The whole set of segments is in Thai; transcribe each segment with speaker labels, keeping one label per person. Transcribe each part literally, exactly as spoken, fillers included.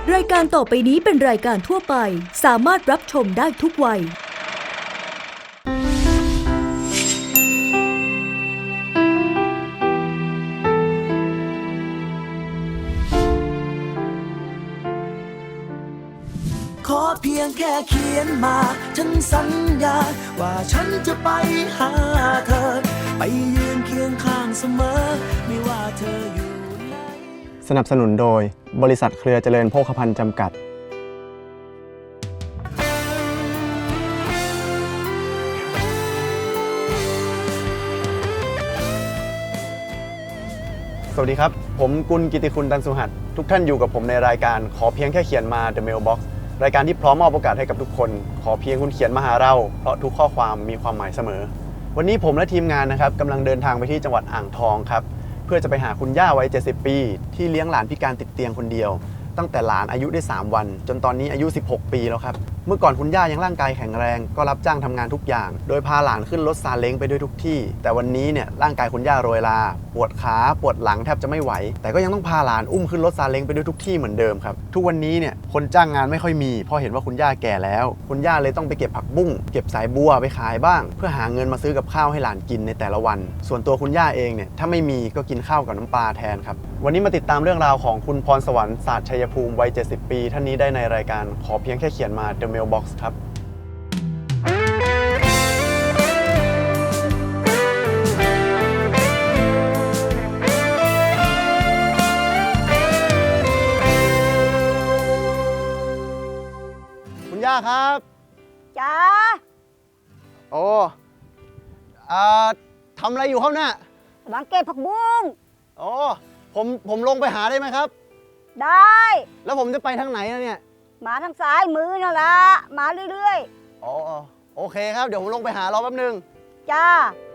Speaker 1: รายการต่อไปนี้เป็นรายการทั่วไปสามารถรับชมได้ทุกวัย
Speaker 2: ขอเพียงแค่เขียนมาฉันสัญญาว่าฉันจะไปหาเธอไปยืนเคียงข้างเสมอไม่ว่าเธออยู่ไหน
Speaker 3: สนับสนุนโดยบริษัทเครือเจริญโภคภัณฑ์จำกัดสวัสดีครับผมกุลกิติคุณตันสุหัสทุกท่านอยู่กับผมในรายการขอเพียงแค่เขียนมา The Mailbox รายการที่พร้อมมอบโอกาสให้กับทุกคนขอเพียงคุณเขียนมาหาเราเพราะทุกข้อความมีความหมายเสมอวันนี้ผมและทีมงานนะครับกำลังเดินทางไปที่จังหวัดอ่างทองครับเพื่อจะไปหาคุณย่าวัยเจ็ดสิบปีที่เลี้ยงหลานพิการติดเตียงคนเดียวตั้งแต่หลานอายุได้สามวันจนตอนนี้อายุสิบหกปีแล้วครับเมื่อก่อนคุณย่ายังร่างกายแข็งแรงก็รับจ้างทำงานทุกอย่างโดยพาหลานขึ้นรถซาเล้งไปด้วยทุกที่แต่วันนี้เนี่ยร่างกายคุณย่าโรยลาปวดขาปวดหลังแทบจะไม่ไหวแต่ก็ยังต้องพาหลานอุ้มขึ้นรถซาเล้งไปด้วยทุกที่เหมือนเดิมครับทุกวันนี้เนี่ยคนจ้างงานไม่ค่อยมีเพราะเห็นว่าคุณย่าแก่แล้วคุณย่าเลยต้องไปเก็บผักบุ้งเก็บสายบัวไปขายบ้างเพื่อหาเงินมาซื้อกับข้าวให้หลานกินในแต่ละวันส่วนตัวคุณย่าเองเนี่ยถ้าไม่มีก็กินข้าวกับน้ำปลาแทนครับวันนี้มาติดตามเรื่องราวของคุณพรสวรรค์ศาสตร์ชัยภูมิวัยเจ็ดสิบปีท่านนี้ได้ในรายการขอเพียงแค่เขียนมา The Mailbox ครับคุณย่าครับ
Speaker 4: จ้า
Speaker 3: โอ้อ่าทำอะไรอยู่ครับเนี่ย
Speaker 4: บังเก็บผักบุ้ง
Speaker 3: โอ้ผมผมลงไปหาได้ไหมครับ
Speaker 4: ได้
Speaker 3: แล้วผมจะไปทางไหนนะเนี่ย
Speaker 4: มาทางซ้ายมือนั่นละมาเรื่อย
Speaker 3: ๆอ๋อโอเคครับเดี๋ยวผมลงไปหารอแป๊บนึง
Speaker 4: จ้า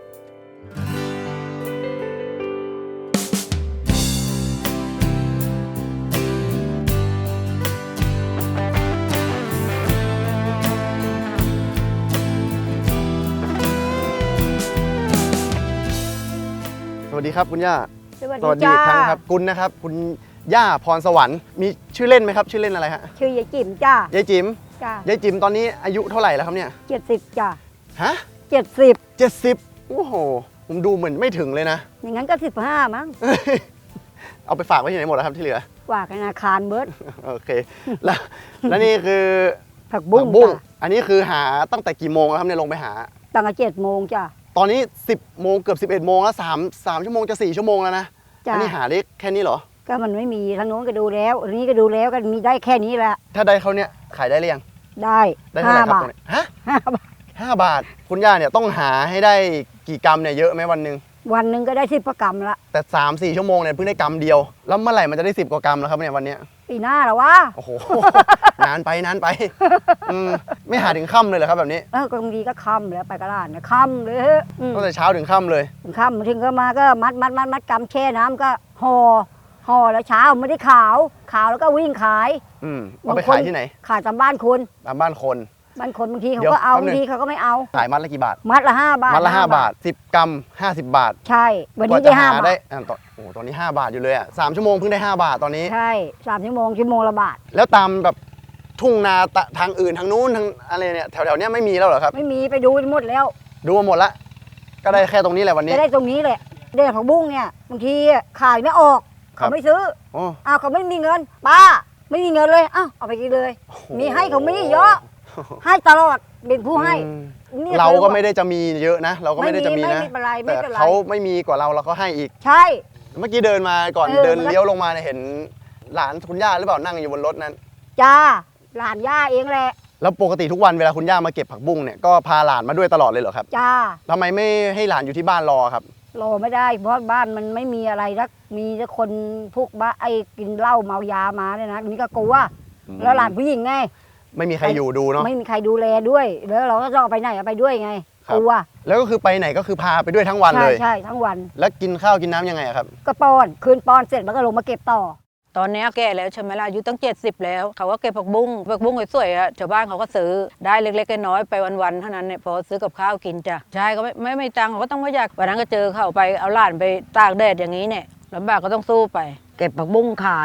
Speaker 3: สวัสดีครับคุณย่า
Speaker 4: สวัส
Speaker 3: สวัสดี
Speaker 4: ดี
Speaker 3: อีกครั้งครับคุณนะครับคุณย่าพรสวรรค์มีชื่อเล่นไหมครับชื่อเล่นอะไรฮะ
Speaker 4: ชื่อยายจิ๋มจ้าย
Speaker 3: ายจิ๋ม
Speaker 4: จ้าย
Speaker 3: ายจิ๋มตอนนี้อายุเท่าไหร่แล้วครับเนี่ย
Speaker 4: เจ็ดสิบจ้า
Speaker 3: ฮะ
Speaker 4: เจ็ดสิบ
Speaker 3: เจ็ดสิบโอ้โหผมดูเหมือนไม่ถึงเลยนะ
Speaker 4: อย่างนั้นก็สิบห้ามั้ง
Speaker 3: เอาไปฝากไว้ที่ไหนหมดแล้วครับที่เหลือ
Speaker 4: ฝากธนาคารเบิร์ด
Speaker 3: โอเคแล้วแล้วนี่คือ
Speaker 4: ผักบุ้ง
Speaker 3: อันนี้คือหาตั้งแต่กี่โมงครับเนี่ยลงไปหา
Speaker 4: ตั้งแต่เจ็ดโมงจ้า
Speaker 3: ตอนนี้สิบโมงเกือบสิบเอ็ดโมงแล้วสามสามชั่วโมงจะสี่ชั่วโมงแล้วนะอันนี้หาได้แค่นี้เหรอ
Speaker 4: ก็มันไม่มีทางโน้นก็ดูแล้วอันนี้ก็ดูแล้วก็มีได้แค่นี้แหละ
Speaker 3: ถ้าได้เขาเนี่ยขายได้หรือยัง
Speaker 4: ได้
Speaker 3: ได้เท่าไหร่ครับฮะห้าบาทห้าบาทคุณย่าเนี่ยต้องหาให้ได้กี่กรัมเนี่ยเยอะไหมวันหนึ่ง
Speaker 4: วันหนึ่งก็ได้สิบกรัมละ
Speaker 3: แต่สามสี่ชั่วโมงเนี่ยเพิ่งได้กรัมเดียวแล้วเมื่อไหร่มันจะได้สิบกว่ากรัมแล้วครับเนี่ยวันนี้
Speaker 4: ปีหน้าเหรอวะ
Speaker 3: โอ้โหนานไปนานไปไม่หาถึงค่ำเลยเหรอครับแบบนี้
Speaker 4: เออบางทีก็ค่ำแล้วไปกระดานนะค่ำเลย
Speaker 3: ตั้งแต่เช้าถึงค่ำเลย
Speaker 4: ถึงค่ำถึงก็มาก็มัดมัดมัดมัดกำแช่น้ำก็ห่อห่อแล้วเช้าไม่ได้ขาวขาวแล้วก็วิ่งขาย
Speaker 3: อืมเอาไปขายที่ไหน
Speaker 4: ขายตามบ้านคน
Speaker 3: ตามบ้านคน
Speaker 4: บ้านคนบางทีเขาก็เอาบางทีเขาก็ไม่เอา
Speaker 3: ขายมัดละกี่บาท
Speaker 4: มัดละห้าบาท
Speaker 3: มัดละห้าบาทสิบกรัมห้าสิบบาท
Speaker 4: ใช่วันนี้ได้ห้าบาทได้
Speaker 3: ตอนโอ้ตอนนี้ห้าบาทอยู่เลยอ่ะสามชั่วโมงเพิ่งได้ห้าบาทตอนนี้
Speaker 4: ใช่สามชั่วโมงชั่วโมงละบาท
Speaker 3: แล้วตามแบบทุ่งนาทางอื่นทางนู้นทางอะไรเนี่ยแถวๆนี้ไม่มีแล้วเหรอครับ
Speaker 4: ไม่มีไปดูหมดแล้ว
Speaker 3: ดูมาหมดละก็ได้แค่ตรงนี้แหละวันนี้
Speaker 4: ได้ตรงนี้แหละเด็กผักบุ้งเนี่ยบางทีขายไม่ออกเขาไม่ซื้ออ้าวเขาไม่มีเงินป้าไม่มีเงินเลยอ้าวเอาไปกินเลยมีให้เขาไม่เยอะให้ตลอดเป็นผู้ให้
Speaker 3: เราก็ไม่ได้จะมีเยอะนะเราก็ไม่ได้จะมีนะแต่เขาไม่มีกว่าเราเราก็ให้อีก
Speaker 4: ใช่
Speaker 3: เมื่อกี้เดินมาก่อนเดินเลี้ยวลงมาเนี่ยเห็นหลานคุณย่าหรือเปล่านั่งอยู่บนรถนั้น
Speaker 4: จ้าหลานย่าเองแหละ
Speaker 3: แล้วปกติทุกวันเวลาคุณย่ามาเก็บผักบุ้งเนี่ยก็พาหลานมาด้วยตลอดเลยเหรอครับ
Speaker 4: จ้า
Speaker 3: ทำไมไม่ให้หลานอยู่ที่บ้านรอครับ
Speaker 4: รอไม่ได้เพราะบ้านมันไม่มีอะไรรักมีแต่คนพวกบ้าไอ้กินเหล้าเมายามาเนี่ยนะนี่ก็กลัวแล้วหลานผู้หญิงไง
Speaker 3: ไม่มีใครอยู่ดูเนาะ
Speaker 4: ไม่มีใครดูแลด้วยแล้วเราก็จะไปไหนไปด้วยไงกลัว
Speaker 3: แล้วก็คือไปไหนก็คือพาไปด้วยทั้งวันเลย
Speaker 4: ใช่ทั้งวัน
Speaker 3: แล้วกินข้าวกินน้ำยังไงครับ
Speaker 4: ก็ป้อนคืนป้อนเสร็จแล้วก็ลงมาเก็บต่อ
Speaker 5: ตอนนี้แก่แล้วใช่ไหมล่ะอายุตั้งเจ็ดสิบแล้วเขาก็เก็บผักบุ้งผักบุ้งสวยๆอ่ะชาวบ้านเขาก็ซื้อได้เล็กๆน้อยๆไปวันๆเท่านั้นเนี่ยพอซื้อกับข้าวกินจ้ะใช่ก็ไม่ไม่ไม่ตังเขาก็ต้องไม่อยากวันนั้นก็เจอเขาไปเอาหลานไปตากแดดอย่างนี้เนี่ยลำบากก็ต้องสู้ไปเก็บผักบุ้งขาย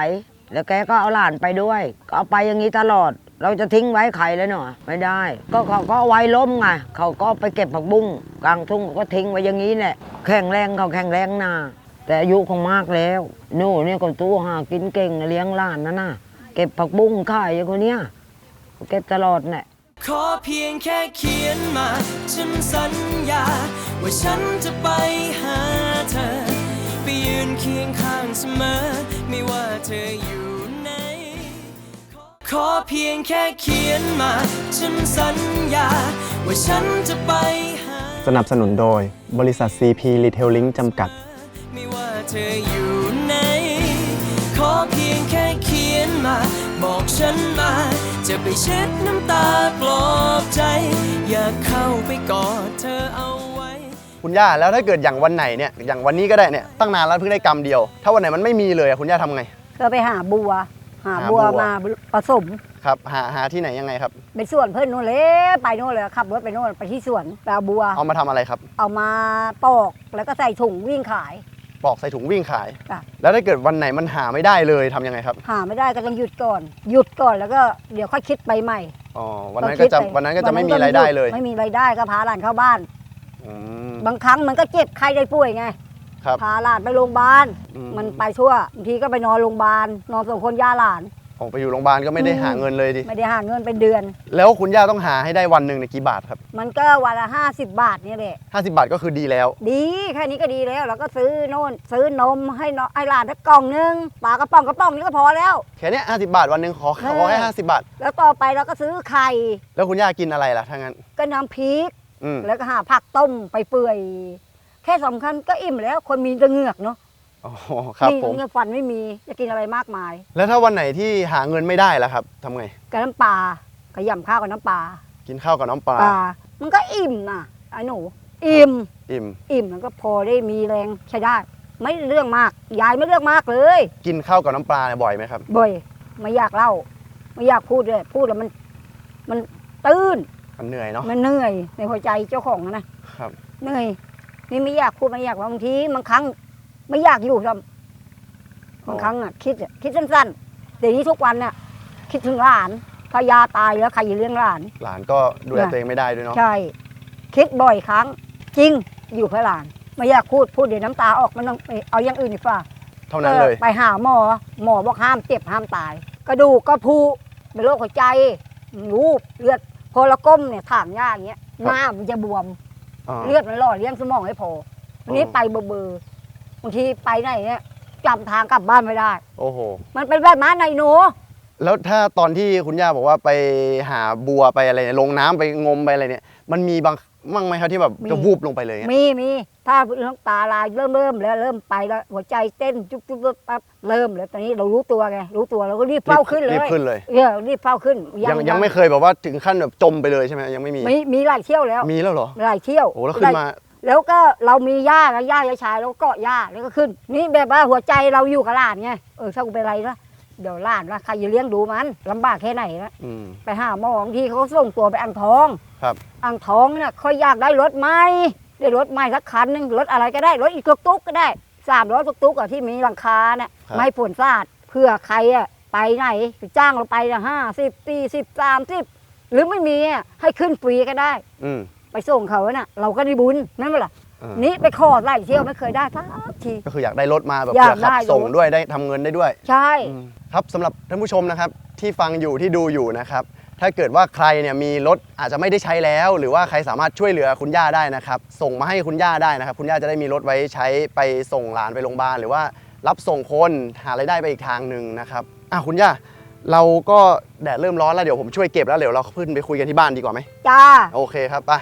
Speaker 6: แล้วแกก็เอาหลานไปด้วยก็เอาไปอย่างนี้ตลอด เราจะทิ้งไว้ใครเลยเนาะไม่ได้ ก็เขาก็เอาไว้ล้มไงเขาก็ไปเก็บผักบุ้งกลางทุ่งก็ทิ้งไว้อย่างนี้แหละแข็งแรงเขาแข็งแรงนาแต่อายุคงมากแล้วโน่เนี่ยก็ตู้หากินเก่งเลี้ยงหลานนะน่ะเก็บผักบุ้งขายอย่างคนเนี้ยเก็บตลอดแหละ
Speaker 2: ขอเพียงแค่เขียนมาฉันสัญญาว่าฉันจะไปหาเธอไปยืนเคียงข้างเสมอไม่ว่าเธออยู่ไหนขอเพียงแค่เขียนมาฉันสัญญาว่าฉันจะไปหา
Speaker 3: สนับสนุนโดยบริษัท ซี พี Retailing จำกัด
Speaker 2: ไม่ว่าเธออยู่ไหนขอเพียงแค่เขียนมาบอกฉันมาจะไปเช็ดน้ำตาปลอบใจอยากเข้าไปกอดเธอเอาไว้
Speaker 3: คุณย่าแล้วถ้าเกิดอย่างวันไหนเนี่ยอย่างวันนี้ก็ได้เนี่ยตั้งนานแล้วเพิ่งได้กำเดียวถ้าวันไหนมันไม่มีเลยคุณย่าทำไง
Speaker 4: ก็ไปหาบัวหาบัวมาผสม
Speaker 3: ครับหาหาที่ไหนยังไงครับ
Speaker 4: ไปสวนเพื่อนนู่นเลยไปนู่นเลยขับรถไปนู่นไปที่สวนไปเอาบัว
Speaker 3: เอามาทำอะไรครับ
Speaker 4: เอามาปอกแล้วก็ใส่ถุงวิ่งขาย
Speaker 3: ปอกใส่ถุงวิ่งขายแล้วถ้าเกิดวันไหนมันหาไม่ได้เลยทำยังไงครับ
Speaker 4: หาไม่ได้ก็ต้องหยุดก่อนหยุดก่อนแล้วก็เดี๋ยวค่อยคิดไปใหม่
Speaker 3: อ๋อวันนั้นก็จะวันนั้นก็จะไม่มีรายได้เลย
Speaker 4: ไม่มีรายได้ก็พาหลานเข้าบ้านบางครั้งมันก็เจ็บใครได้ป่วยไงพาหลานไปโรงพยาบาลมันไปชั่วบางทีก็ไปนอนโรงพยาบาลนอนส่งคนย่าหลาน
Speaker 3: ออกไปอยู่โรงพยาบาลก็ไม่ได้หาเงินเลยดิ
Speaker 4: ไม่ได้หาเงินเป็นเดือน
Speaker 3: แล้วคุณย่าต้องหาให้ได้วันหนึ่งในกี่บาทครับ
Speaker 4: มันก็วันละห้าสิบบาทนี่แหละ
Speaker 3: ห้าสิบบาทก็คือดีแล้ว
Speaker 4: ดีแค่นี้ก็ดีแล้วแล้วก็ซื้อโน่นซื้อนมให้น้องไอ้หลานสักกล่องนึงปลากระป๋องกระป๋องนี้ก็พอแล้ว
Speaker 3: แค่นี้ห้าสิบบาทวันหนึ่งขอขอแค่ห้าสิบบาท
Speaker 4: แล้วต่อไปเราก็ซื้อไข่
Speaker 3: แล้วคุณย่ากินอะไรล่ะถ้างั้น
Speaker 4: ก็น้ำพริกแล้วก็หาผักต้มไปเปื่อยแค่สำคัญก็อิ่มแล้วคนมีจะเหงือกเนาะ
Speaker 3: อ๋อครับผม
Speaker 4: เงินฟันไม่มีจะกินอะไรมากมาย
Speaker 3: แล้วถ้าวันไหนที่หาเงินไม่ได้ล่ะครับทำไง
Speaker 4: กับน้ำปลาก็ย่ำข้าวกับน้ำปลา
Speaker 3: กินข้าวกับน้ำปลา
Speaker 4: มันก็อิ่มนะไอ้หนูอิ่ม
Speaker 3: อิ่ม
Speaker 4: อิ่มมันก็พอได้มีแรงใช้ได้ไม่เรื่องมากยายไม่เรื่องมากเลย
Speaker 3: กินข้าวกับน้ำปลาเนี่ยบ่อยไหมครับ
Speaker 4: บ่อยไม่อยากเล่าไม่อยากพูดเลยพูดแล้วมันมันตื้น
Speaker 3: มันเหนื่อยเนาะ
Speaker 4: มันเหนื่อยในหัวใจเจ้าของนะครับเหนื่อยนี่ไม่อยากพูดไม่อยากว่าบางทีบางครั้งไม่อยากอยู่ทำบางครั้งอ่ะคิดคิดสั้นๆแต่นี้ทุกวันเนี่ยคิดถึงหลานถ้ายาตายแล้วใครจะเลี้ยงหลาน
Speaker 3: หลานก็ดูแลตัวเองไม่ได้ด้วยเนาะ
Speaker 4: ใช่คิดบ่อยครั้งจริงอยู่เพื่อหลานไม่อยากพูดพูดเดี๋ยวน้ำตาออกมันต้องเอาอย่างอื่นดีกว่า
Speaker 3: เท่านั้นเลย
Speaker 4: ไปหาหมอหมอบอกห้ามเจ็บห้ามตายกระดูกก็พุเป็นโรคหัวใจรูปเลือดพอเราก้มเนี่ยถางหญ้าอย่างเงี้ยหน้ามันจะบวมเลือดมันหล่อเลี้ยงสมองให้พอวันนี้ไปเบอร์เบอร์บางทีไปไหนเนี่ยจำทางกลับบ้านไม่ได้
Speaker 3: โอ้โห
Speaker 4: มันเป็นแบบนั้นไอ้หนู
Speaker 3: แล้วถ้าตอนที่คุณย่าบอกว่าไปหาบัวไปอะไรลงน้ำไปงมไปอะไรเนี่ยมันมีบางมั่งไหมครับที่แบบจะวูบลงไปเลย
Speaker 4: มีมีถ้าน้ำตาลายเริ่มเริ่มแล้วเริ่มไปแล้วหัวใจเต้นจุ๊บจุ๊บปั๊บเริ่มแล้วตอนนี้เรารู้ตัวไงรู้ตัวเราก็รีบเฝ้าขึ้นเลย
Speaker 3: รีบขึ้นเลย
Speaker 4: เออรีบเฝ้าขึ้น
Speaker 3: ยังยังไม่เคยแบบว่าถึงขั้นแบบจมไปเลยใช่ไหมยังไม่มี
Speaker 4: มีมีหลายเที่ยวแล้ว
Speaker 3: มีแล้วเหรอ
Speaker 4: หลายเที่ยว
Speaker 3: โอ้แล้วขึ้นมา
Speaker 4: แล้วก็เรามีหญ้าแล้วหญ้าชายแล้วก็เกาะหญ้าแล้วก็ขึ้นนี่แบบว่าหัวใจเราอยู่กับหลานไงเออถ้ากูเป็นไรนะเดี๋ยวหลานว่าใครจะเลี้ยงดูมันลำบากแค่ไหนนะไปหาหมอบางทีเขาส่งตัวไปอ่างทอง
Speaker 3: ครับ
Speaker 4: อ่างทองเนี่ยเขาอยากได้รถใหม่ได้รถใหม่สักคันนึงรถอะไรก็ได้รถอีกตุ๊กตุ๊กก็ได้สามร้อยตุ๊กตุ๊กที่มีหลังคาเนี่ยไม่ฝนสาดเพื่อใครอ่ะไปไหนจ้างเราไปละห้าสิบปีสิบสามสิบหรือไม่มีให้ขึ้นฟรีก็ได้ไปส่งเขาน่ะเราก็ได้บุญนั่นแหละนี่ไปขอไล่เที่ยวไม่เคยได้ทักที
Speaker 3: ก็คืออยากได้รถมาแบบเพื่อขับส่งด้วยได้ทำเงินได้ด้วย
Speaker 4: ใช่
Speaker 3: ครับสำหรับท่านผู้ชมนะครับที่ฟังอยู่ที่ดูอยู่นะครับถ้าเกิดว่าใครเนี่ยมีรถอาจจะไม่ได้ใช้แล้วหรือว่าใครสามารถช่วยเหลือคุณย่าได้นะครับส่งมาให้คุณย่าได้นะครับคุณย่าจะได้มีรถไว้ใช้ไปส่งหลานไปโรงพยาบาลหรือว่ารับส่งคนหารายได้ไปอีกทางหนึ่งนะครับอ่ะคุณย่าเราก็แดดเริ่มร้อนแล้วเดี๋ยวผมช่วยเก็บแล้วเดี๋ยวเราขึ้นไปคุยกันที่บ้านดีกว่าไหม
Speaker 4: จ้า
Speaker 3: โอเคครับไป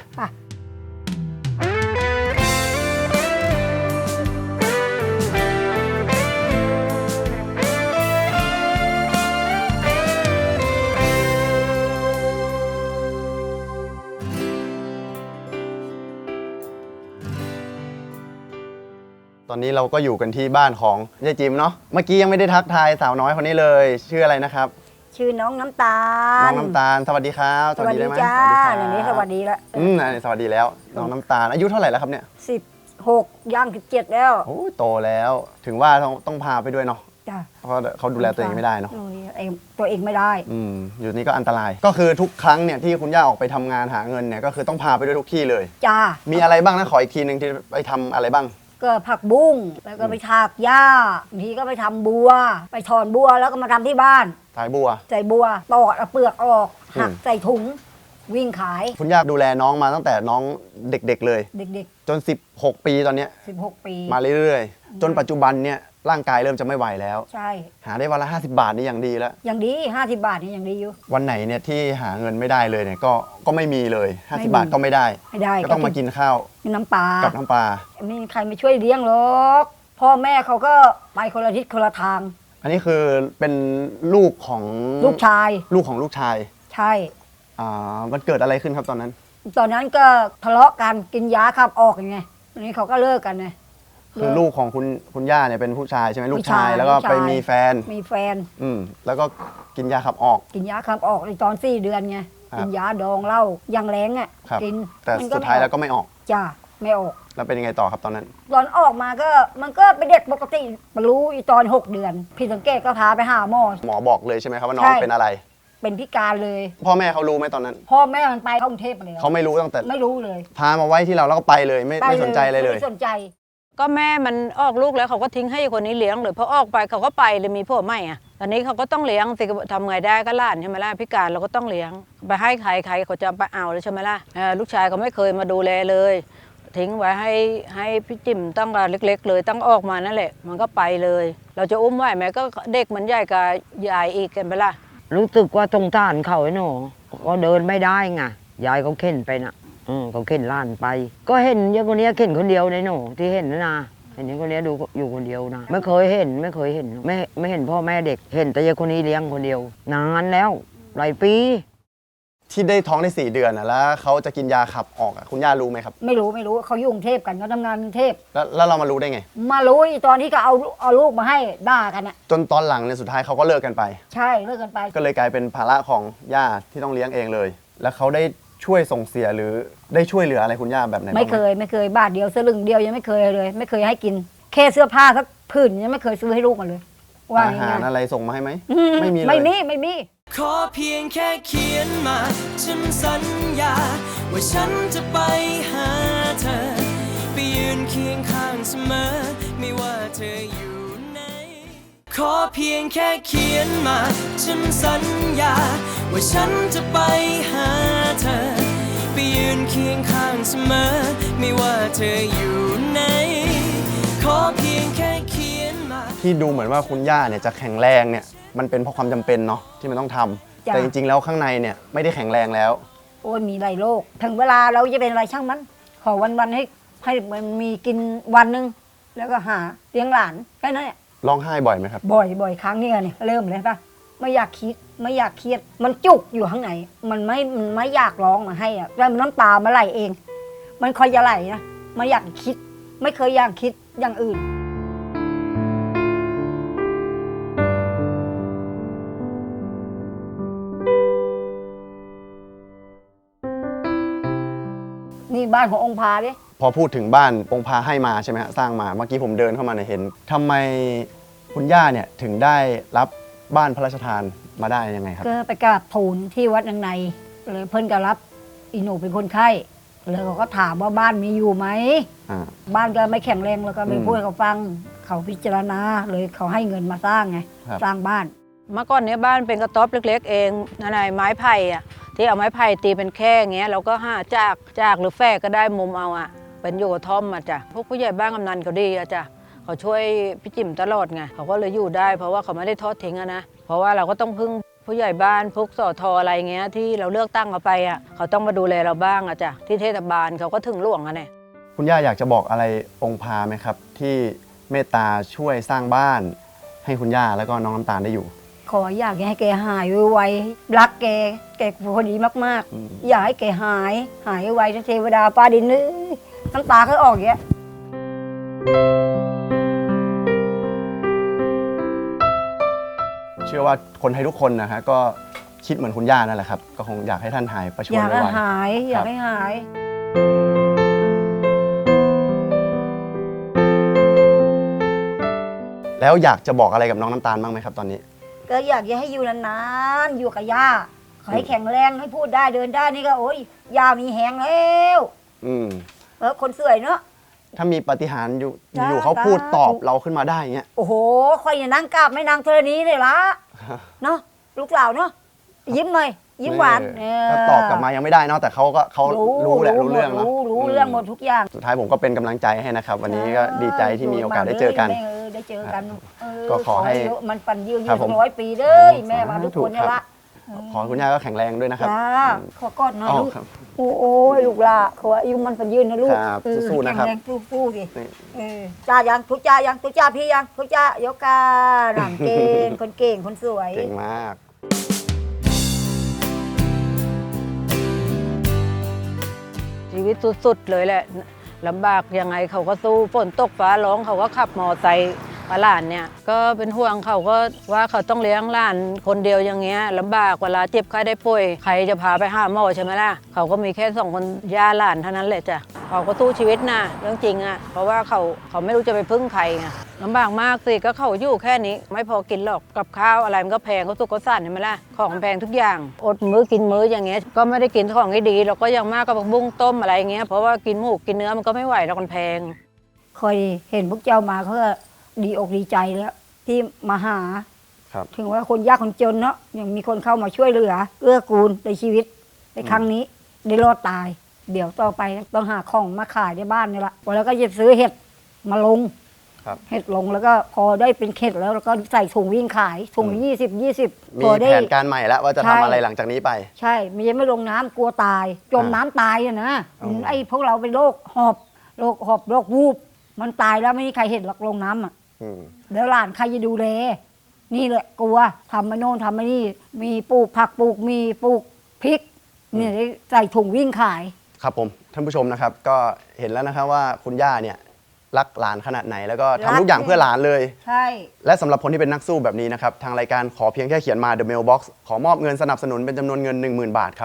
Speaker 3: ตอนนี้เราก็อยู่กันที่บ้านของยายจิมเนาะเมื่อกี้ยังไม่ได้ทักทายสาวน้อยคนนี้เลยชื่ออะไรนะครับ
Speaker 4: ชื่อน้องน้ำตาล
Speaker 3: น้องน้ำตาลสวัสดีครับ
Speaker 4: สวัสดีจ้าอันนี้สวัสดีแล้ว
Speaker 3: อืมสวัสดีแล้วน้องน้ำตาลอายุเท่าไหร่แล้วครับเนี่ย
Speaker 4: สิบหกย่างสิบเจ็ดแล้ว
Speaker 3: โอ้โตแล้วถึงว่าต้องต้องพาไปด้วยเนาะ
Speaker 4: จ้ะ
Speaker 3: เพราะเขาดูแลตัวเองไม่ได้เนาะ
Speaker 4: ดูแลเองตัวเองไม่ได้
Speaker 3: อืมอยู่นี่ก็อันตราย ก็คือทุกครั้งเนี่ยที่คุณย่าออกไปทำงานหาเงินเนี่ยก็คือต้องพาไปด้วยทุกที่เลย
Speaker 4: จ้า
Speaker 3: มีอะไรบ้างนะขออีกทีหนึ่งที่ไปทำอะไรบ้าง
Speaker 4: ก็ผักบุ้งแล้วก็ไปถากหญ้าบางทีก็ไปทำบัว ไปถอนบัวแล้วก็มาทำที่บ้าน
Speaker 3: สายบัว
Speaker 4: ใส่บัวปอกเอาเปลือกออกหัก
Speaker 3: อืม
Speaker 4: ใส่ถุงวิ่งขาย
Speaker 3: คุณย่าดูแลน้องมาตั้งแต่น้องเด็กๆเลย
Speaker 4: เด็ก
Speaker 3: จน สิบหก ปีตอนเนี้ย
Speaker 4: ๆสิบหกปี
Speaker 3: มาเรื่อยๆ จนปัจจุบันเนี่ยร่างกายเริ่มจะไม่ไหวแล้ว
Speaker 4: ใช่
Speaker 3: หาได้วันละห้าสิบบาทนี่อย่างดีแล้ว
Speaker 4: อย่างดีห้าสิบบาทนี่อย่างดีอยู่
Speaker 3: วันไหนเนี่ยที่หาเงินไม่ได้เลยเนี่ยก็ก็ไม่มีเลย
Speaker 4: ไม่
Speaker 3: ห้าสิบ
Speaker 4: มี
Speaker 3: บาทก็ไม่ได้
Speaker 4: ไม่ได้
Speaker 3: ก็ต้องมากินข้าว
Speaker 4: กินน้ำปลา
Speaker 3: กับน้ำปลา
Speaker 4: ไม่มีใครมาช่วยเลี้ยงหรอกพ่อแม่เขาก็ไปคนละทิศคนละทาง
Speaker 3: อันนี้คือเป็นลูกของ
Speaker 4: ลูกชาย
Speaker 3: ลูกของลูกชาย
Speaker 4: ใช่
Speaker 3: อ่ามันเกิดอะไรขึ้นครับตอนนั้น
Speaker 4: ตอนนั้นก็ทะเลาะกันกินยาขับออกยังไงตอนนี้เขาก็เลิกกันไง
Speaker 3: คือลูกของคุณคุณย่าเนี่ยเป็นผู้ชายใช่ไหมลูกชาย
Speaker 4: ผู้ชาย
Speaker 3: แล้วก็
Speaker 4: ลูกชาย
Speaker 3: ไปมีแฟน
Speaker 4: มีแฟน
Speaker 3: อืมแล้วก็กินยาขับออก
Speaker 4: กินยาขับออกในตอนสี่เดือนไง
Speaker 3: ครับ
Speaker 4: กินยาดองเหล้ายังแรงอ่ะ
Speaker 3: ครับ
Speaker 4: กิน
Speaker 3: แต่
Speaker 4: มัน
Speaker 3: สุดท้ายแล้วก็ไม่ออก
Speaker 4: จ้าไม่ออก
Speaker 3: แล้วเป็นยังไงต่อครับตอนนั้น
Speaker 4: ตอนออกมาก็มันก็เป็นเด็กปกติมารู้อีตอนหกเดือนพี่สังเกตก็พาไปหาหมอ
Speaker 3: หมอบอกเลยใช่ไหมครับว่าน้อง
Speaker 4: ใช่
Speaker 3: เป็นอะไร
Speaker 4: เป็นพิการเลย
Speaker 3: พ่อแม่เขารู้ไหมตอนนั้น
Speaker 4: พ่อแม่มันไปเข้ากรุงเทพไปแล้ว
Speaker 3: เขาไม่รู้ตั้งแต่
Speaker 4: ไม่รู้เลย
Speaker 3: พามาไว้ที่เราแล้วก็ไปเลยไม่
Speaker 4: ไป
Speaker 3: ไม่สนใจอะไรเลย
Speaker 4: ไม่สนใจ
Speaker 5: ก็แม่มันออกลูกแล้วเขาก็ทิ้งให้คนนี้เลี้ยงเลยพอออกไปเขาก็ไปเลยมีพ่อใหม่อ่ะตอนนี้เขาก็ต้องเลี้ยงสิทำไงได้ก็หล้านใช่ไหมล่ะพิการเราก็ต้องเลี้ยงไปให้ใครใครเขาจะไปเอาเลยใช่ไหมล่ะเอ่อลูกชายเขาไม่เคยมาดูแลเลย ทิ้งไว้ให้ให้พี่จิ๋มตั้งแต่เล็ก ๆ เลยตั้งออกมานั่นแหละมันก็ไปเลย เราจะอุ้มไหวไหมก็เด็กมันใหญ่กับยายอีกกันไปล่ะ
Speaker 6: รู้สึกว่าสงสารเขาไอ้หนูก็เดินไม่ได้ไงยายเขาเข็นไปน่ะอืมเขาเข็นหล้านไป ก็เห็นเยอะคนนี้เข็นคนเดียวในหนูที่เห็นนะนะเห็นคนนี้ดูอยู่คนเดียวนะไม่เคยเห็นไม่เคยเห็นไม่ไม่เห็นพ่อแม่เด็กเห็นแต่ยายคนนี้เลี้ยงคนเดียว นานแล้วหลายปี
Speaker 3: ที่ได้ท้องได้สี่เดือนอะแล้วเขาจะกินยาขับออกอะคุณย่ารู้ไหมครับ
Speaker 4: ไม่รู้ไม่รู้เขาอยู่กรุงเทพกันเขาทำงานกรุงเทพ
Speaker 3: แล้วแล้วเรามารู้ได้ไง
Speaker 4: มารู้อีตอนที่เขาเอาเอาลูกมาให้ด่ากันอ่ะ
Speaker 3: จนตอนหลังเนี่ยสุดท้ายเขาก็เลิกกันไป
Speaker 4: ใช่เลิกกันไป
Speaker 3: ก็เลยกลายเป็นภาระของย่าที่ต้องเลี้ยงเองเลย แล้วเขาได้ช่วยส่งเสียหรือได้ช่วยเหลืออะไรคุณย่าแบบไหนบ้างห
Speaker 4: ไม่เคยไม่เคยบาทเดียวสลึงเดียวยังไม่เคยเลย ไม่เคยให้กินแค่เสื้อผ้าสักผืนยังไม่เคยซื้อให้ลูกมาเลยว่า
Speaker 3: อาหาร
Speaker 4: ง่าย
Speaker 3: อะไรส่งมาให้ไหม
Speaker 4: ๆอื
Speaker 3: ไม่มีเลย
Speaker 4: ไม่มีไม่มี
Speaker 2: ขอเพียงแค่เขียนมา ฉันสัญญา ว่าฉันจะไปหาเธอ ไปยืนเคียงข้างเสมอ ไม่ว่าเธออยู่ไหน ขอเพียงแค่เขียนมา ฉันสัญญา ว่าฉันจะไปหาเธอ ไปยืนเคียงข้างเสมอ ไม่ว่าเธออยู่ไหน ขอเพียงแค่เขียนมา
Speaker 3: ที่ดูเหมือนว่าคุณย่าเนี่ยจะแข็งแรงเนี่ยมันเป็นเพราะความจำเป็นเนาะที่มันต้องทำ
Speaker 4: จ้ะ
Speaker 3: แต่จริงๆแล้วข้างในเนี่ยไม่ได้แข็งแรงแล้ว
Speaker 4: โอ้ยมีหลายโรคถึงเวลาเราจะเป็นอะไรช่างมัน ขอวันวันๆให้ให้มันมีกินวันหนึ่งแล้วก็หาเลี้ยงหลานแค่นั้นแหละ
Speaker 3: ร้องไห้บ่อยไหมครับ
Speaker 4: บ่อยบ่อยครั้งเนี่ยเนี่ยเริ่มเลยปะไม่อยากคิดไม่อยากเครียด มันจุกอยู่ข้างในมันไม่มันไม่อยากร้องมาให้อะแล้วมันน้ำตามาไหลเอง มันคอยจะไหลนะไม่อยากคิด ไม่เคยอยากคิดอย่างอื่น นี่บ้านขององค์พาดิ
Speaker 3: พอพูดถึงบ้านองค์พาให้มาใช่ไหมฮะสร้างมาเมื่อกี้ผมเดินเข้ามาเนี่ยเห็นทำไมคุณย่าเนี่ยถึงได้รับบ้านพระราชทานมาได้ยังไงครับ
Speaker 4: ก็ไปกราบทูลที่วัดนางในเลยเพิ่นก็รับอีหนูเป็นคนไข้เลยเขาก็ถามว่าบ้านมีอยู่ไหม
Speaker 3: อ่า
Speaker 4: บ้านก็ไม่แข็งแรงแล้วก็ไม่
Speaker 3: อืม
Speaker 4: พูดให้เขาฟัง เขาพิจารณาเลยเขาให้เงินมาสร้างไง
Speaker 3: ครับ
Speaker 4: สร้างบ้าน
Speaker 5: เมื่อก่อนเนี้ยบ้านเป็นกระต๊อบเล็กๆเองนั่นไงไม้ไผ่อะที่เอาไม้ไผ่ตีเป็นแค่อย่างเงี้ยเราก็ห้าจากจากหรือแฝกก็ได้มุมเอาอะเป็นอยู่กระท่อมอะจ้ะพวกผู้ใหญ่บ้านกำนันเขาดีอะจ้ะเขาช่วยพี่จิ๋มตลอดไงเขาก็เลยอยู่ได้ เพราะว่าเขาไม่ได้ทอดทิ้งอะนะเพราะว่าเราก็ต้องพึ่งผู้ใหญ่บ้านพวกสอทออะไรเงี้ยที่เราเลือกตั้งเขาไปอะเขาต้องมาดูแลเราบ้างอะจ้ะที่เทศบาลเขาก็ถึงหลวงอะเนี่ย
Speaker 3: คุณย่าอยากจะบอกอะไรองค์พาไหมครับ ที่เมตตาช่วยสร้างบ้าน ให้คุณย่าแล้วก็น้องน้ำตาลได้อยู่
Speaker 4: ขออยากให้แกหายไวๆรักแกแกคนดีมาก
Speaker 3: อืม
Speaker 4: ๆ อยากให้แกหาย หายไวๆเทวดาฟ้าดินเอ้ยน้ำตาเขาออกอย่างเงี้ย
Speaker 3: เชื่อว่าคนไทยทุกคนนะฮะก็คิดเหมือนคุณย่านั่นแหละครับก็คงอยากให้ท่านหายประชว
Speaker 4: อน ยากให้
Speaker 3: ไว
Speaker 4: หาย
Speaker 3: ๆ
Speaker 4: อยา
Speaker 3: ค
Speaker 4: ก
Speaker 3: รับ
Speaker 4: ให้หาย
Speaker 3: แแล้วอยากจะบอกอะไรกับน้องน้ำตาลบ้างไหมครับตอนนี้
Speaker 4: ก็อยากจะให้อยู่นานๆอยู่กับย่าขอให้แข็งแรงให้พูดได้เดินได้นี่ก็โอ้ยย่ามีแหงแล้ว
Speaker 3: อืม
Speaker 4: เออคนสวยเนาะ
Speaker 3: ถ้ามีปาฏิหาริย์อยู่
Speaker 4: จ้า
Speaker 3: อยู่เขาพูด
Speaker 4: สาธุ
Speaker 3: ตอบเราขึ้นมาได้อย่างเงี้ย
Speaker 4: โอ้โหค่อยอย่านั่งกราบไม่นางเธอนี้เลยละเนาะลูกสาวเนาะยิ้มหน่อยยิ้มหวาน
Speaker 3: เออถ้าตอบกลับมายังไม่ได้เนาะแต่เขาก็เขารู้แหละรู้เรื่องเนาะ
Speaker 4: รู้รู้เรื่องหมดทุกอย่าง
Speaker 3: สุดท้ายผมก็เป็นกำลังใจให้นะครับ วันนี้ก็ดีใจที่มีโอกาสได้เจอกัน
Speaker 4: แม่เออได้เจอกันเ
Speaker 3: ก็ขอให้
Speaker 4: มันปันยืนยื
Speaker 3: ครับ
Speaker 4: น
Speaker 3: ผม
Speaker 4: ร้อยปีเด้อแม่มาทุกคนเนี่ยละ
Speaker 3: ขอให้คุณย่าก็แข็งแรงด้วยนะครับ
Speaker 4: จ้าขอกอดหน่อย
Speaker 3: อ๋อ
Speaker 4: ลูก
Speaker 3: ครับ
Speaker 4: โอ้โอ้ยลูกละขออายุมันปันยืนนะลูก
Speaker 3: ครับ
Speaker 4: เออ
Speaker 3: สู้ๆนะครับ
Speaker 4: แข็งแรงสู้ๆดิ
Speaker 3: นี่
Speaker 4: เออจ้ายังทุกจ้ายังทุกจ้าพี่ยังทุกจ้ายกกาหลานเก่งคนเก่งคนสวย
Speaker 3: เก่งมาก
Speaker 5: ชีวิตสุดๆเลยแหละลำบากยังไงเขาก็สู้ฝนตกฟ้าร้องเขาก็ขับมอไซค์มาหลานเนี่ยก็เป็นห่วงเขาก็ว่าเขาต้องเลี้ยงหลานคนเดียวอย่างเงี้ยลำบากเวลาเจ็บไข้ได้ป่วยใครจะพาไปหาหมอใช่ไหมล่ะเขาก็มีแค่สองคนย่าหลานเท่านั้นแหละจ้ะเขาก็สู้ชีวิตนะเรื่องจริงอ่ะเพราะว่าเขาเขาไม่รู้จะไปพึ่งใครไงลำบากมากสิก็เขาอยู่แค่นี้ไม่พอกินหรอกกับข้าวอะไรมันก็แพงก็สุกก็สั่นใช่ไหมล่ะของแพงทุกอย่างอดมื้อกินมื้ออย่างเงี้ยก็ไม่ได้กินของที่ดีเราก็ยังมากกับผักบุ้งต้มอะไรเงี้ยเพราะว่ากินหมูกินเนื้อมันก็ไม่ไหวแล้วมันแพง
Speaker 4: คอยเห็นพวกเจ้ามาเขาก็ดีอกดีใจแล้วที่มาหา
Speaker 3: ครับ
Speaker 4: ถึงว่าคนยากคนจนเนาะยังมีคนเข้ามาช่วยเหลือเอื้อกูลในชีวิตในครั้งนี้ได้รอดตาย เดี๋ยวต่อไปต้องหาของมาขายในบ้านนี่ละแล้วก็จะซื้อเห็ดมาลง
Speaker 3: ครับ
Speaker 4: เห็ดลงแล้วก็พอได้เป็นเข็ดแล้วแล้วก็ใส่ถุงวิ่งขายถุงยี่สิบยี่สิบ
Speaker 3: มี
Speaker 4: พอได้
Speaker 3: แผนการใหม่แล้วว่าจะ
Speaker 4: ใช่
Speaker 3: ทำอะไรหลังจากนี้ไป
Speaker 4: ใช่ไม่ยังไม่ลงน้ำกลัวตาย จม
Speaker 3: อ่า
Speaker 4: น้ำตายอะนะ
Speaker 3: อ๋อ
Speaker 4: ไอ้พวกเราเป็นโรคหอบโรคหอบโรควูบมันตายแล้วไม่มีใครเห็นหรอกลงน้ำอ่ะ
Speaker 3: อืม
Speaker 4: แล้วหลานใครจะดูแลนี่แหละกลัวทำมาโน่นทำมานี่ มีปลูกผักปลูกมีปลูกพริกเนี่ยได้ใส่ถุงวิ่งขาย
Speaker 3: ครับผมท่านผู้ชมนะครับก็เห็นแล้วนะครับว่าคุณย่าเนี่ยรักหลานขนาดไหน แล้วก็ทำทุกอย่างเพื่อหลานเลย
Speaker 4: ใช่
Speaker 3: และสำหรับคนที่เป็นนักสู้แบบนี้นะครับทางรายการขอเพียงแค่เขียนมา The Mailbox ขอมอบเงินสนับสนุนเป็นจำนวนเงิน หนึ่งหมื่น บาทครับ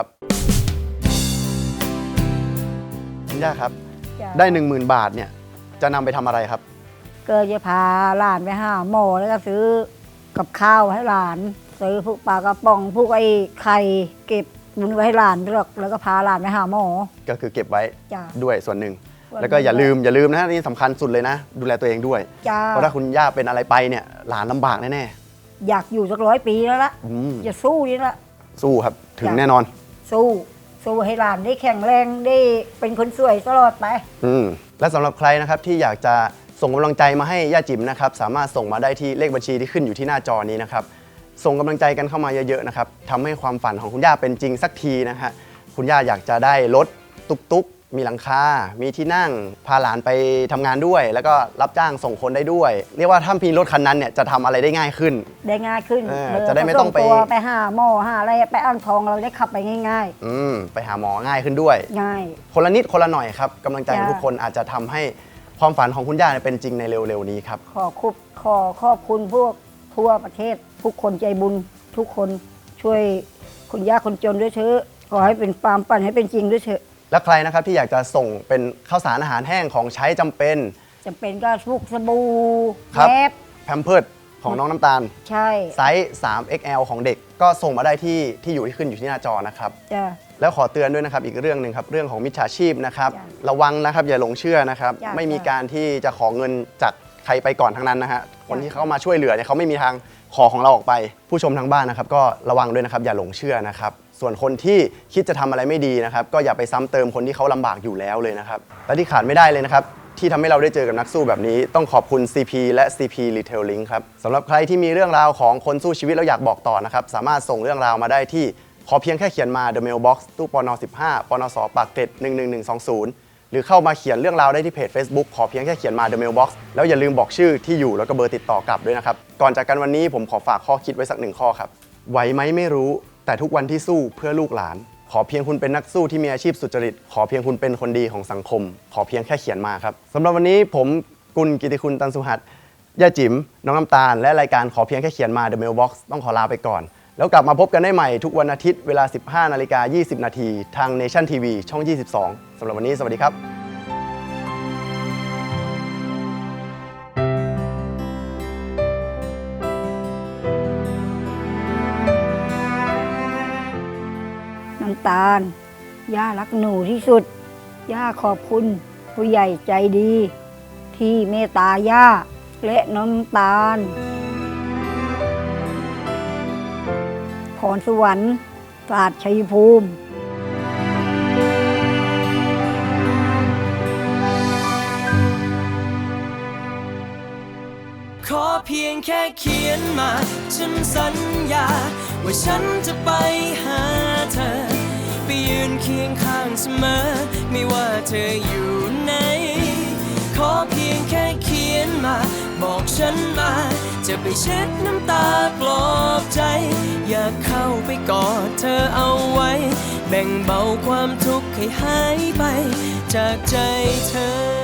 Speaker 3: คุณย่าครับ
Speaker 4: จ้ะ
Speaker 3: ได้ หนึ่งหมื่น บาทเนี่ยจะนำไปทำอะไรครับ
Speaker 4: ก็จะพาหลานไปหาหมอแล้วก็ซื้อกับข้าวให้หลาน ซื้อพวกปลากระป๋องพวกไอ้ไข่เก็บบุญไว้ให้หลานด้วยหรอกแล้วก็พาหลานไปหาหมอ
Speaker 3: ก็คือเก็บไว้
Speaker 4: จ้ะ
Speaker 3: ด้วยส่วนหนึ่ง
Speaker 4: ส่วนหนึ่ง
Speaker 3: แล้วก็อย่าลืมอย่าลืมนะนี่สำคัญสุดเลยนะ ดูแลตัวเองด้วย
Speaker 4: จ้า
Speaker 3: เพราะถ้าคุณย่าเป็นอะไรไปเนี่ยหลานลำบากแน่
Speaker 4: อยากอยู่สักร้อยปีแล้วละ
Speaker 3: ๆอืม
Speaker 4: อย่าสู้นี่ละ
Speaker 3: สู้ครับถึง
Speaker 4: จ้ะ
Speaker 3: แน่นอน
Speaker 4: สู้ สู้ให้หลานได้แข็งแรงได้เป็นคนสวยตลอดไป
Speaker 3: อืมและสำหรับใครนะครับที่อยากจะส่งกำลังใจมาให้ย่าจิ๋มนะครับสามารถส่งมาได้ที่เลขบัญชีที่ขึ้นอยู่ที่หน้าจอนี้นะครับส่งกำลังใจกันเข้ามาเยอะๆนะครับทำให้ความฝันของคุณย่าเป็นจริงสักทีนะฮะคุณย่าอยากจะได้รถตุ๊กๆ มีหลังคา มีที่นั่งพาหลานไปทำงานด้วย แล้วก็รับจ้างส่งคนได้ด้วย เรียกว่าถ้ามีรถคันนั้นเนี่ยจะทำอะไรได้ง่ายขึ้น
Speaker 4: ได้ง่ายขึ้น
Speaker 3: เออ
Speaker 4: เออ
Speaker 3: จะได้ไม่ต้องไป
Speaker 4: ส่ตัวไปหาหมอหาอะไรไปอ่างทองเราได้ขับไปง่าย
Speaker 3: อืมไปหาหมอง่ายขึ้นด้วย
Speaker 4: ๆ ง่าย
Speaker 3: คนละนิดคนละหน่อยครับกำลังใจของ
Speaker 4: จ้ะ
Speaker 3: ทุกคนอาจจะทำให้ความฝันของคุณย่าเนี่ยเป็นจริงในเร็วๆนี้ครับ
Speaker 4: ขอคุบขอขอบคุณพวกทั่วประเทศ ทุกคนใจบุญทุกคนช่วยคนยากคนจนด้วยเถอะขอให้เป็นความฝันให้เป็นจริงด้วยเถอะ
Speaker 3: และใครนะครับที่อยากจะส่งเป็นข้าวสารอาหารแห้งของใช้จำเป็น
Speaker 4: จำเป็นก็พวกสบู่
Speaker 3: ครับ
Speaker 4: แยบ
Speaker 3: แพมเพิร์ดของน้องน้ำตาล
Speaker 4: ใช่
Speaker 3: ไซส์ สาม เอ็กซ์ แอล ของเด็ก ก็ส่งมาได้ที่ที่อยู่ที่ขึ้นอยู่ที่หน้าจอนะครับ
Speaker 4: จ้ะ
Speaker 3: แล้วขอเตือนด้วยนะครับอีกเรื่องหนึ่งครับเรื่องของมิจฉาชีพนะครับ
Speaker 4: จ้ะ
Speaker 3: ระวังนะครับอย่าหลงเชื่อนะครับ
Speaker 4: จ้ะ
Speaker 3: ไม่มีการที่จะขอเงินจากใครไปก่อนทั้งนั้นนะฮะคนที่เข้ามาช่วยเหลือเนี่ยเขาไม่มีทางขอของเราออกไป ผู้ชมทางบ้านนะครับก็ระวังด้วยนะครับอย่าหลงเชื่อนะครับส่วนคนที่คิดจะทำอะไรไม่ดีนะครับก็อย่าไปซ้ำเติมคนที่เขาลำบากอยู่แล้วเลยนะครับและที่ขาดไม่ได้เลยนะครับที่ทำให้เราได้เจอกับนักสู้แบบนี้ต้องขอบคุณ ซี พี และ ซี พี Retail Link ครับสำหรับใครที่มีเรื่องราวของคนสู้ชีวิตแล้วอยากบอกต่อนะครับสามารถส่งเรื่องราวมาได้ที่ขอเพียงแค่เขียนมา The Mailbox ตู้ปนสิบห้าปนสปากเกร็ดหนึ่งหนึ่งหนึ่งสองศูนย์หรือเข้ามาเขียนเรื่องราวได้ที่เพจ Facebook ขอเพียงแค่เขียนมา The Mailbox แล้วอย่าลืมบอกชื่อที่อยู่แล้วก็เบอร์ติดต่อกลับด้วยนะครับก่อนจากกันวันนี้ผมขอฝากข้อคิดไว้สักหนึ่งข้อครับไหวไหมไม่รู้แต่ทุกวันที่สู้เพื่อลูกหลานขอเพียงคุณเป็นนักสู้ที่มีอาชีพสุจริตขอเพียงคุณเป็นคนดีของสังคม ขอเพียงแค่เขียนมาครับสำหรับวันนี้ผมกุลกิติคุณตันสุหัสย่าจิ๋มน้องน้ำตาลและรายการขอเพียงแค่เขียนมา The Mailbox ต้องขอลาไปก่อนแล้วกลับมาพบกันได้ใหม่ทุกวันอาทิตย์เวลา สิบห้านาฬิกายี่สิบนาทีทาง Nation ที วี ช่อง ยี่สิบสอง สำหรับวันนี้สวัสดีครับ
Speaker 4: น้ำตาล ย่ารักหนูที่สุด ย่าขอบคุณผู้ใหญ่ใจดี ที่เมตตาย่าและน้ำตาล พรสวรรค์ศาสตร์ชัยภูมิ
Speaker 2: ขอเพียงแค่เขียนมา ฉันสัญญา ว่าฉันจะไปหาเธอ ไปยืนเคียงข้างเสมอ ไม่ว่าเธออยู่ไหน ขอเพียงแค่เขียนมา บอกฉันมา จะไปเช็ดน้ำตาปลอบใจ อยากเข้าไปกอดเธอเอาไว้ แบ่งเบาความทุกข์ให้หายไป จากใจเธอ